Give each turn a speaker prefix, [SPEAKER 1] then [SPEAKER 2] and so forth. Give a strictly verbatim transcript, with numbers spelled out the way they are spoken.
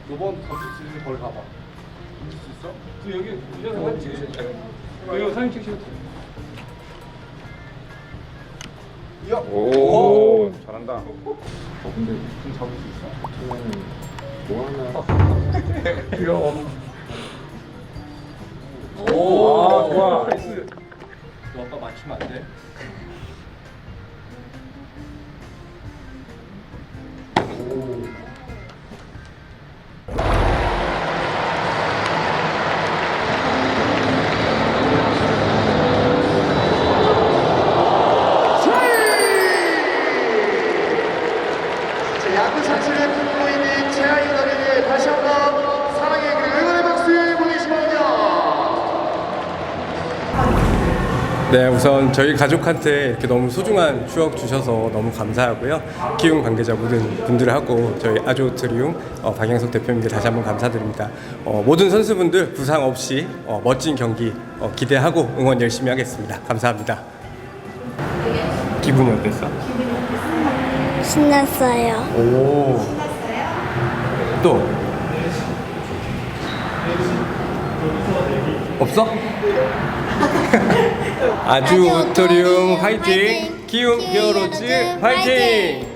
[SPEAKER 1] 너번 던질 수 있는 걸 가봐. 던질 수 있어?
[SPEAKER 2] 저 여기 이래서 사진 찍으세요. 여기 사진 찍으시면 돼요.
[SPEAKER 1] 야!
[SPEAKER 3] 오, 잘한다.
[SPEAKER 1] 어, 근데 좀 잡을 수 있어?
[SPEAKER 3] 그러면 뭐 하나?
[SPEAKER 1] 귀여워.
[SPEAKER 2] 오,
[SPEAKER 1] 아, 좋아.
[SPEAKER 2] 나이스.
[SPEAKER 1] 너 아빠 맞추면 안 돼? 오.
[SPEAKER 4] 야구 자체를 품고 있는 최하위원에게 다시 한번 사랑의 그리고 응원의 박수 보내주시 바랍니다.
[SPEAKER 5] 네, 우선 저희 가족한테 이렇게 너무 소중한 추억 주셔서 너무 감사하고요. 키움 관계자 모든 분들하고 저희 아조트리움 어, 박양석 대표님께 다시 한번 감사드립니다. 어, 모든 선수분들 부상 없이 어, 멋진 경기 어, 기대하고 응원 열심히 하겠습니다. 감사합니다. 기분이 어땠어?
[SPEAKER 6] 신났어요.
[SPEAKER 5] 오. 또? 없어? 아주토리움 화이팅! 키움 히어로즈 화이팅!